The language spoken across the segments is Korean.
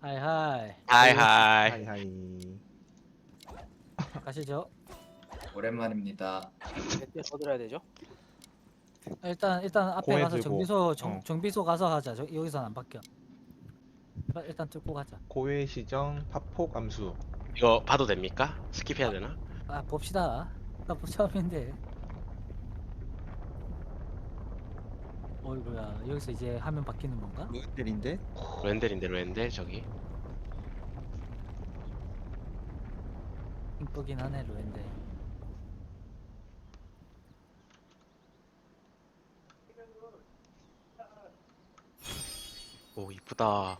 하이하이 하이하이. 하이하이. 가시죠. 오랜만입니다. 몇 개 더 들어야 되죠? 일단 앞에 공에 가서 들고, 정비소 가서 하자. 여기선 안 바뀌어. 일단 뚫고 가자. 고해 시정 파폭 암수. 이거 봐도 됩니까? 스킵해야 되나? 아 봅시다. 나 처음인데. 어이구야 여기서 이제 화면 바뀌는 건가? 로엔델인데? 렌델인데 저기. 이쁘긴 하네 로엔데. 오 이쁘다.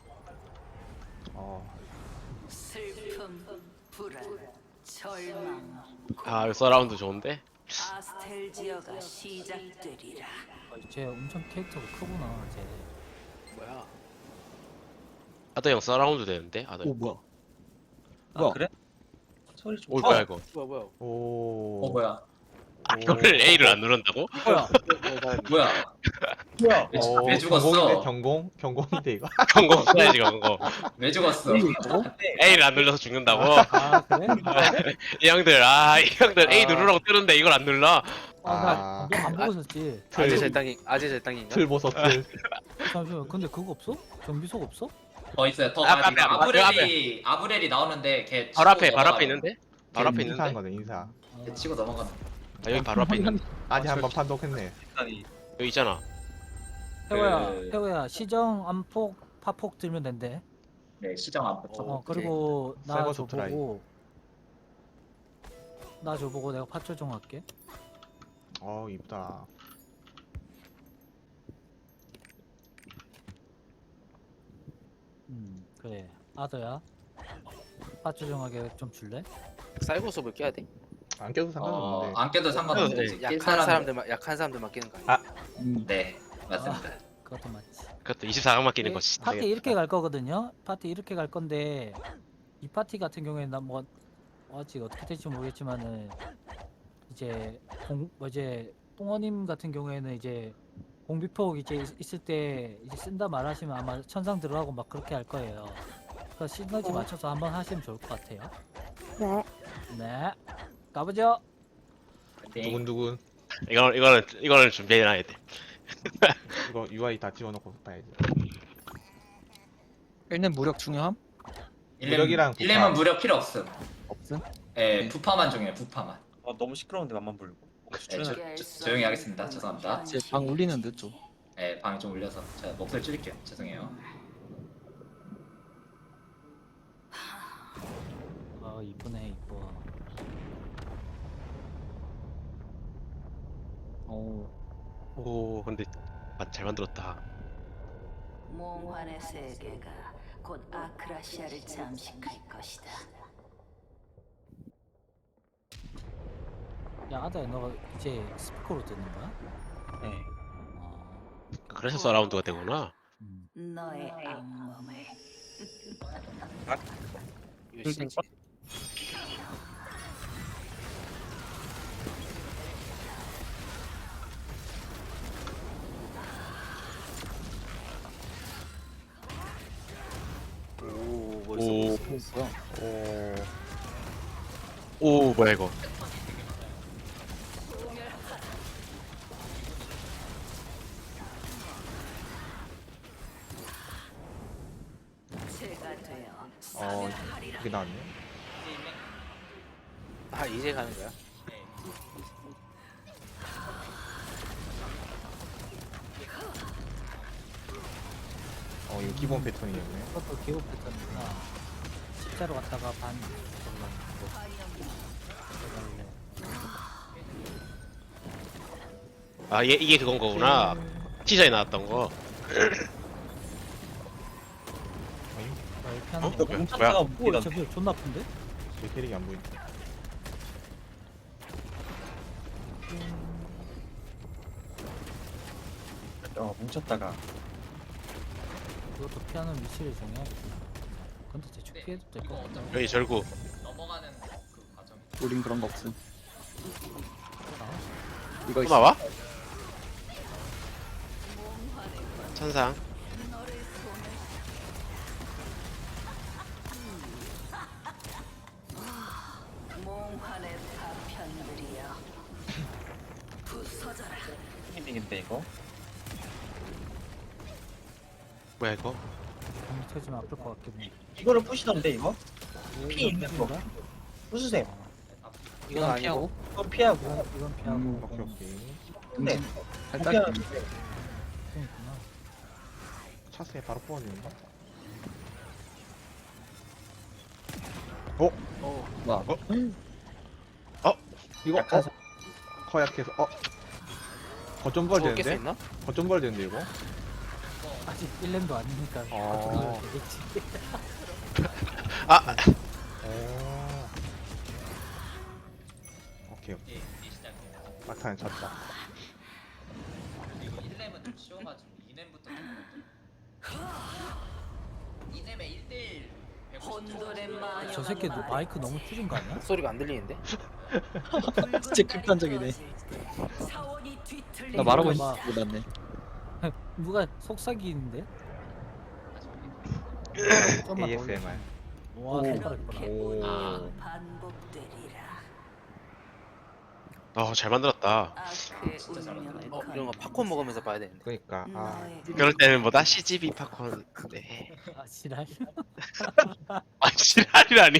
슬픔, 불안, 절망, 아 이거 서라운드 좋은데? 아스텔지어가 시작되리라. 쟤 엄청 캐릭터가 크구나 쟤. 뭐야? 아더 형 서라운드 되는데? 아더 오 형. 뭐야? 아 뭐야? 그래? 소리 좀 오 뭐야 이거? 뭐야? 오. 뭐야? 아 이거를 A를 안 누른다고? 뭐야? 뭐야? 뭐야? 왜 죽었어? 경공인데 경공인데 이거. 경고 써야지 경고. 왜 죽었어? A를 안 눌러서 죽는다고? 아 그래? 이 형들 이 형들 A 누르라고 뜨는데 이걸 안 눌러? 아나안 보고 있었지. 아재 절당인가? 틀 보소 틀. 잠시만 근데 그거 없어? 정비소가 없어? 더 있어요. 더 앞에, 가지. 앞에. 아브렐이 나오는데 걔 바로 앞에 치고 바로 넘어가요. 앞에 있는데? 바로 앞에 인사한 있는데? 거네 인사. 걔 치고 넘어가는. 아 여기 바로 앞에 있는데? 아직 한번 판독했네. 아니 여기 있잖아. 태호야 시정 안폭 파폭 들면 된대. 네 시정 안 붙어. 그리고 나 사이버 소프트라이. 줘보고 내가 파 조정할게. 이쁘다. 그래 아더야 파 조정하게 좀 줄래? 사이버 수업을 깨야 돼. 안 껴도 상관없는데. 안 껴도 상관없는데. 네. 낄 약한 사람들. 사람들만 끼는 거 아니야? 네 맞습니다. 그것도 맞지. 그것도 24강 끼는 거지. 파티 이렇게 갈 거거든요. 파티 이렇게 갈 건데 이 파티 같은 경우에는 나뭐 아직 어떻게 될지 모르겠지만은 이제 이제 똥어님 같은 경우에는 이제 공비폭 이제 있을 때 이제 쓴다 말하시면 아마 천상 들어가고 막 그렇게 할 거예요. 그래서 시너지 맞춰서 한번 하시면 좋을 것 같아요. 네. 네. 가보죠. 두근두근. 이거는 준비해놔야 돼. 이거 UI 다 지워놓고 봐야지. 1년 무력 중요함? 무력이랑 부파. 1렘은 무력 필요 없음. 없음? 예 부파만 중요해 부파만. 너무 시끄러운데 맘만 부르고 네, 조용히 하겠습니다. 죄송합니다. 제 방 울리는데 좀. 예 방이 좀 울려서 제가 목소리 줄일게요. 죄송해요. 이쁘네 이뻐. 오 근데 잘 만들었다. 몽환의 세계가 곧 아크라시아를 잠식할 것이다. 야 아다야 너 이제 스피커로 듣는 거야? 네 그래서 서라운드가 되구나. 너의 악몽을 이거 진짜 오 멋있어. 뭐야? 오 뭐야 이거? 제가 되어 그게 나왔네. 아 이제 가는 거야? 이거 기본 패턴이었네. 그것도 기호 패턴이구나. 십자로 갔다가 반 이게 그건 거구나. 티저에 나왔던 거. 이렇게 하는 어? 건가? 뭐야? 오, 웃기던데 저기 존나 아픈데? 제 캐릭이 안 보인다. 뭉쳤다가 그것도 피하는 위치를 정해야겠구나. 근데 대충 피해도 될 것 같다. 여기 절구. 넘어가는 그 과정. 우린 그런 거 없음. 이거 또 있어. 나와? 천상. 돼 이거. 뭐야 이거? 공이 터지면 아플 것 같긴 해. 이거를 부시던데 이거? 피 있는 거. 이건가? 부수세요. 이건 아니고. 피하고. 이건 피하고. 이건 피하고. 오케이 오케이. 근데 살짝 피하는 그렇구나. 차스에 바로 뽑아주는 거. 와. 이거 약간 허약해서 거점 부활 저거 깰수 되는데? 있나? 거점 부활 되는데 이거? 아직 1렘도 아니니까 아. 어떻게 되겠지. 아 오. 오케이 오케이. 이 시작이에요. 막타는 졌다. 이거 1렘은 좀 쉬워가지고 2렘부터 좀 2렘에 1대1 혼돈의 마녀가 저 새끼 말했지. 마이크 너무 줄인 거 아니야? 소리가 안 들리는데? 진짜 극단적이네. 사원이 뒤틀리는 나 말하고 막- 있는지 몰랐네. 누가 속삭이는데? 좀만 더 올려. ASMR. 와 손가락 이뻐라. 오. 반복되리라. 잘 만들었다. 아크의 진짜 잘 운명을 이런 거 팝콘 먹으면서 봐야 되는데. 그러니까 너의 그럴 때는 뭐다 CGV 팝콘. 네. 아 지랄. 아 지랄이라니.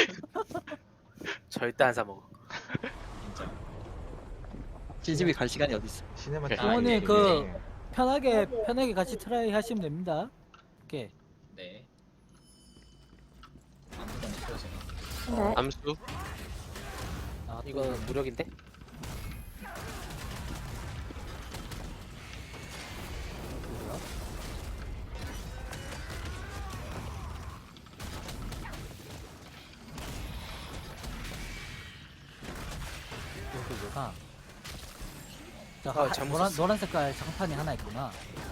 절대 안 사 먹어. 진짜. CGV 갈 시간이 어딨어. 시네마틱. 부모님, 편하게 같이 트라이 하시면 됩니다. 오케이. 네. 아무도 안 보여주네. 암수. 아, 또 이거 무력인데? 누구야? 여기가 아, 잘못 썼어. 노란 색깔 장판이 하나 있구나.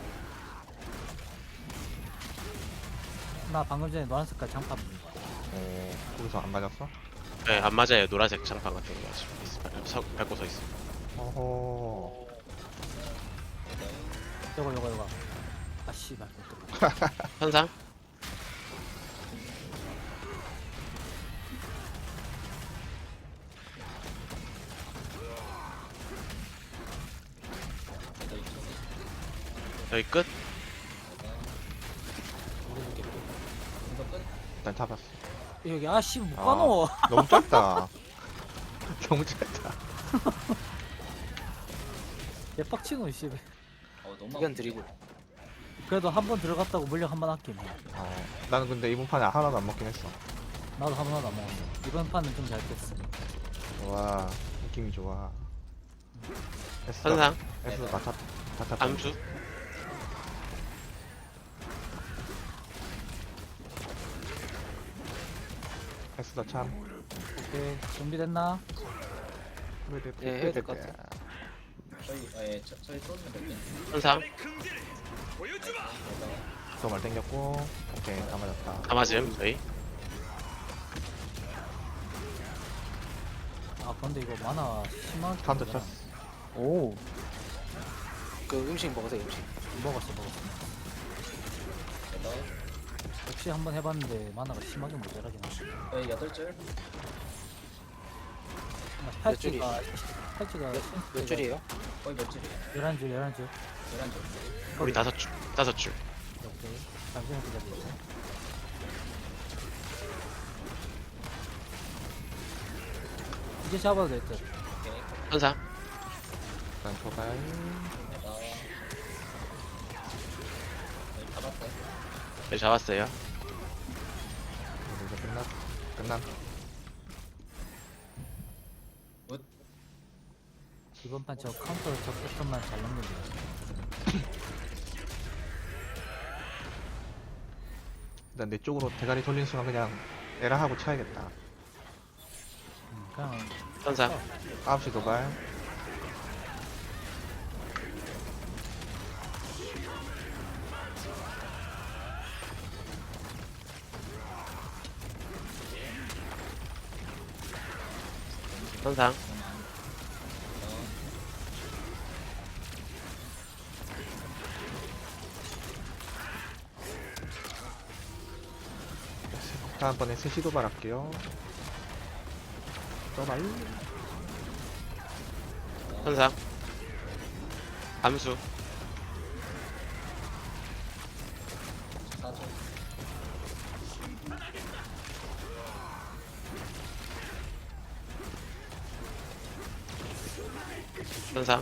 나 방금 전에 노란 색깔 장판 본 거야. 거기서 안 맞았어? 네, 안 맞아요. 노란색 장판 같은 거 밟고 서 있어. 어허. 요거. 아 씨발. 현상. 여기 끝. 일단 잡았어. 여기 아씨 못 아. 가노. 너무 짧다. 너무 짧다. 얘 빡치노 씨. 너무 이건 드리블. 그래도 한 번 들어갔다고 물량 한 번 아끼네. 나는 근데 이번 판에 하나도 안 먹긴 했어. 나도 한 번도 안 먹었어. 이번 판은 좀 잘 깼어. 와, 느낌이 좋아. 현상. 에스도 다 탑. 암수. 에스도 참. 오케이 준비됐나? 예, 해야 될것 같아. 저희 쏘는 몇 개. 현상. 또말 땡겼고. 오케이, 다 맞았다. 다 맞음. 저희. 아 근데 이거 만화 심하게 카운터 쳤어. 오. 그 음식 먹으세요 음식. 먹었어. 역시 한번 해봤는데 만화가 심하게 모자라긴 하네. 저희 8줄. 팔찌가 몇 줄이에요? 거의 몇 줄이에요? 11줄 11줄. 우리 5줄. 5줄. 오케이 잠시만 기다려주세요. 이제 잡아도 될 듯. 현상. 일단 도발. 저희 잡았어요. 네, 잡았어요. 이제 끝남. 이번 판 저 카운터 저 패턴만 잘 넘기면 돼. 일단 내 쪽으로 대가리 돌린 순간 그냥 에라하고 쳐야겠다. 그냥 현상. 9시 도발. 현상. 다음번에 3시 도발할게요. 도발. 현상. 암수. 4초. 천상.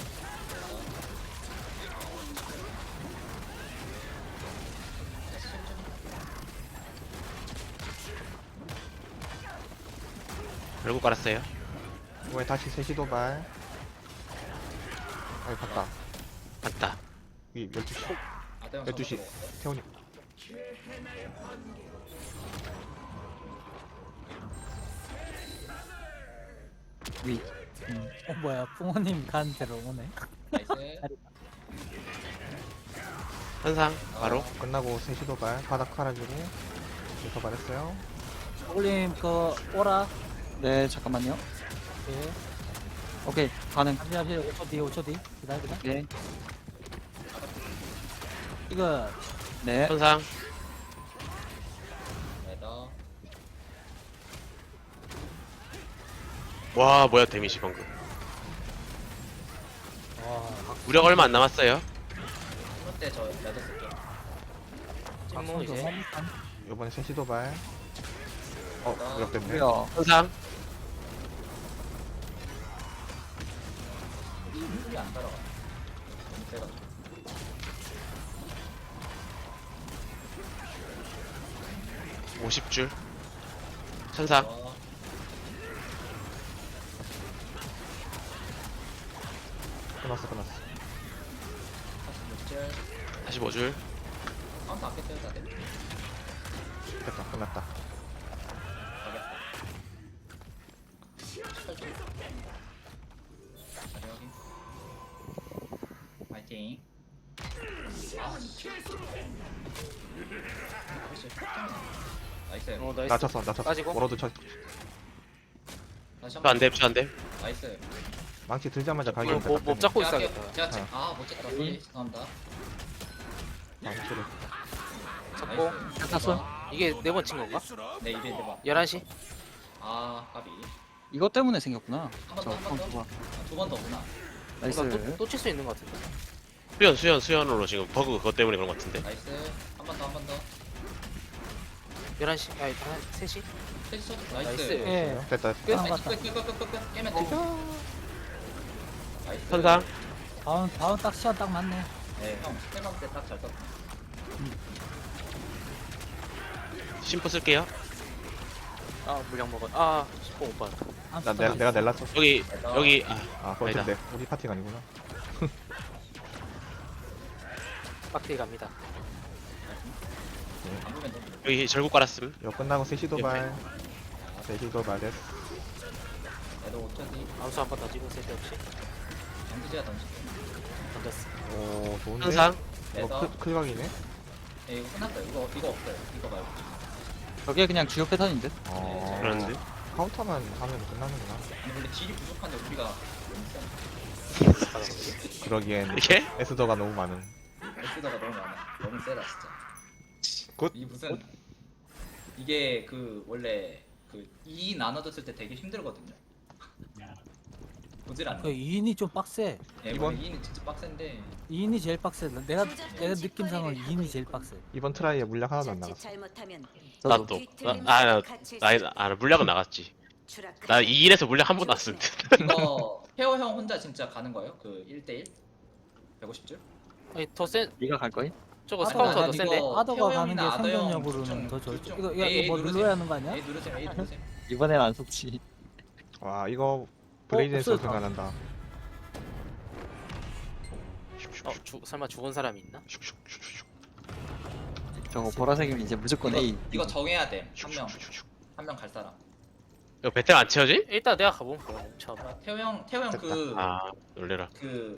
결국 깔았어요. 이번에 다시 3시 도발. 아이 봤다. 맞다. 위 12시. 아대형 12시. 태훈이. 위. 뭐야 붕어님 간 대로 오네. 나이스. 천상. 바로. 끝나고 3시 도발. 바닥 깔아주고. 도발했어요. 올림 그 오라. 네, 잠깐만요. 예. 오케이, 가능. 잠시 5초 뒤 5초 뒤 기다려. 네. 이거 네. 천상. 레더. 와 뭐야 데미지 방금. 와 무력 얼마 안 남았어요. 이럴 때저 레더 쓸게요. 찐무 이제 너무 이번에 3시 도발. 무력됐네. 뭐야. 천상. 이게 안 따라가. 너무 세가지고. 50줄. 천상. 와. 끝났어. 46줄. 45줄. 카운트 앞에 떼야 돼. 됐다. 끝났다. 가겠다. 18줄. 자리 확인. 파이팅. 아, 나이스. 나이스. 낮췄어. 빠지고. 워러드 쳐. 다시 한 안 번. 돼. 안 돼. 나이스. 망치 들자마자 가기. 못 잡고 제가 있어야겠다. 제가 아못 잡다. 죄송합니다. 망치를. 잡고. 나이스. 땄어? 이게 4번 친 건가? 네 이벤트 봐. 11시? 아 까비. 이것 때문에 생겼구나. 한 번 저 더, 한 번 더. 카운트가. 두 번 더구나. 나이스. 또 칠 수 있는 것 같은데. 수연으로 지금 버그 그것 때문에 그런 것 같은데. 나이스. 한 번 더, 한 번 더. 11시? 아니 3시? 세지 쳐. 나이스. 나이스. 예. 됐다. 끝. 아, 나이스. 맞다. 끝. 깨면 돼. 나이스. 천상. 다운 딱 시간 딱 맞네. 네, 형. 스텝업 때딱 잘 떴다. 심포 쓸게요. 아 물량 먹었. 아 10번 못 받았다. 내가 넬랐어. 여기 아, 그런데 우리 파티가 아니구나. 빡대기 갑니다. 안 보면 돼. 여기 절국 깔았음. 이거 끝나고 3시 도발. 3시 도발 됐어. 얘도 5초 뒤. 암수 한 번 던지고 쓸데없이 정규제가 던질게. 던졌어. 오, 좋은데? 천상. 이거 레더. 클각이네? 예, 이거 끝났어요. 이거 없어요. 이거 말고. 저게 그냥 주요 패턴인 듯. 그러는데. 카운터만 하면 끝나는구나. 아니 원래 딜이 부족한데 우리가 너무 세. 그러기엔 이게? 에스더가 너무 많은. 에스더가 너무 많아. 너무 세다 진짜. 굿. 이 무슨 이게 그 원래 그 2 나눠졌을 때 되게 힘들거든요. 보질 않네. 그 2인이 좀 빡세. 예, 이번? 원래 2는 진짜 빡센데 2인이 제일 빡세. 내가 느낌상은 2인이 제일 빡세. 이번 트라이에 물량 하나도 안 자칫 나갔어. 잘못하면 나도. 나 물량은 나갔지. 추락할 나 2인에서 물량 한 번 났음. 이거 페어 형 혼자 진짜 가는 거예요? 그 1대1? 150줄? 아니 더센 네가 갈 거임? 저거 아더가 스카우터 더 가는 센데. 이거 아더가 태호 가는 게 형이나 아더 형 생존력으로는 둘 더 중, 좋지. 둘 이거 중. 뭐 A 누르세요. 눌러야 하는 거 아니야? A 누르세요. A 누르세요. 이번엔 안 속지. 와, 이거 브레이드에서 없어졌다. 생각난다. 설마 죽은 사람이 있나? 저거 보라색이면 이제 무조건 A. 이거 정해야 돼. 한 명 갈 사람. 이거 배틀 안 채워지? 일단 내가 가봄 그럼 처음. 태호 형 됐다. 그 아 놀래라. 그